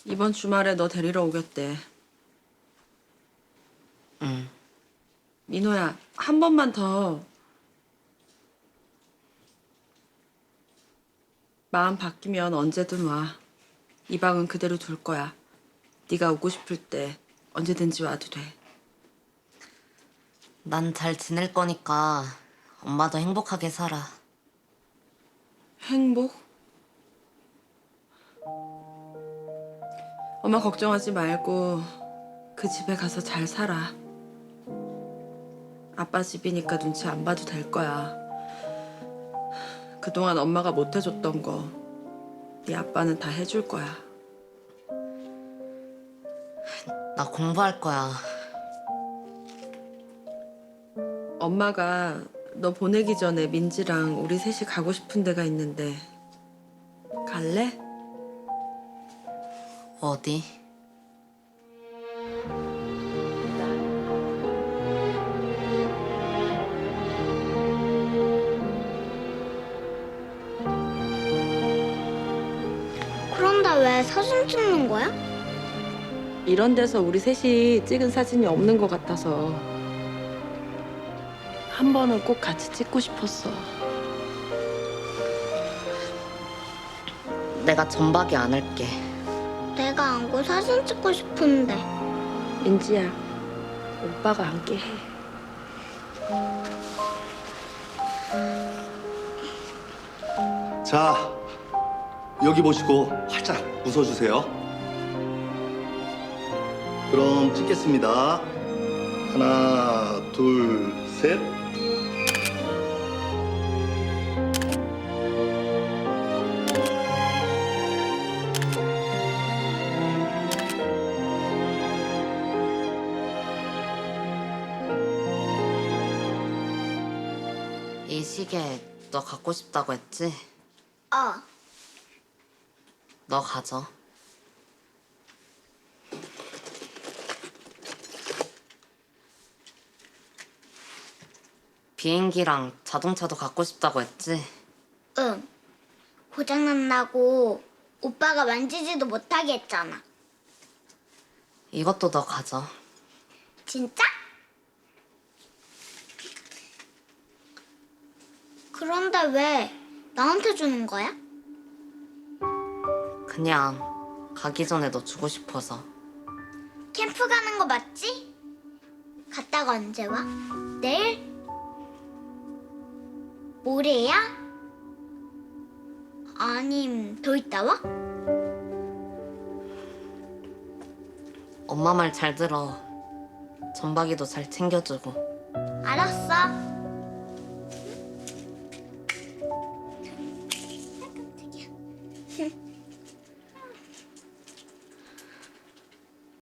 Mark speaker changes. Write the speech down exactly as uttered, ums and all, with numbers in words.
Speaker 1: 이번 주말에 너 데리러 오겠대.
Speaker 2: 응.
Speaker 1: 민호야, 한 번만 더 마음 바뀌면 언제든 와. 이 방은 그대로 둘 거야. 네가 오고 싶을 때 언제든지 와도 돼.
Speaker 2: 난 잘 지낼 거니까 엄마도 행복하게 살아.
Speaker 1: 행복? 엄마 걱정하지 말고 그 집에 가서 잘 살아. 아빠 집이니까 눈치 안 봐도 될 거야. 그동안 엄마가 못 해줬던 거 네 아빠는 다 해줄 거야.
Speaker 2: 나 공부할 거야.
Speaker 1: 엄마가 너 보내기 전에 민지랑 우리 셋이 가고 싶은 데가 있는데 갈래?
Speaker 2: 어디?
Speaker 3: 그런데 왜 사진 찍는 거야?
Speaker 1: 이런 데서 우리 셋이 찍은 사진이 없는 것 같아서 한 번은 꼭 같이 찍고 싶었어.
Speaker 2: 내가 전박이 안 할게.
Speaker 3: 내가 안고 사진 찍고 싶은데.
Speaker 1: 민지야, 오빠가 안게 해.
Speaker 4: 자, 여기 보시고 활짝 웃어주세요. 그럼 찍겠습니다. 하나, 둘, 셋.
Speaker 2: 이 시계 너 갖고 싶다고 했지?
Speaker 3: 어.
Speaker 2: 너 가져. 비행기랑 자동차도 갖고 싶다고 했지?
Speaker 3: 응. 고장난다고 오빠가 만지지도 못하게 했잖아.
Speaker 2: 이것도 너 가져.
Speaker 3: 진짜? 그런데 왜 나한테 주는 거야?
Speaker 2: 그냥 가기 전에 너 주고 싶어서.
Speaker 3: 캠프 가는 거 맞지? 갔다가 언제 와? 내일? 모레야? 아님 더 있다 와?
Speaker 2: 엄마 말 잘 들어. 전박이도 잘 챙겨주고.
Speaker 3: 알았어. 깜짝이야.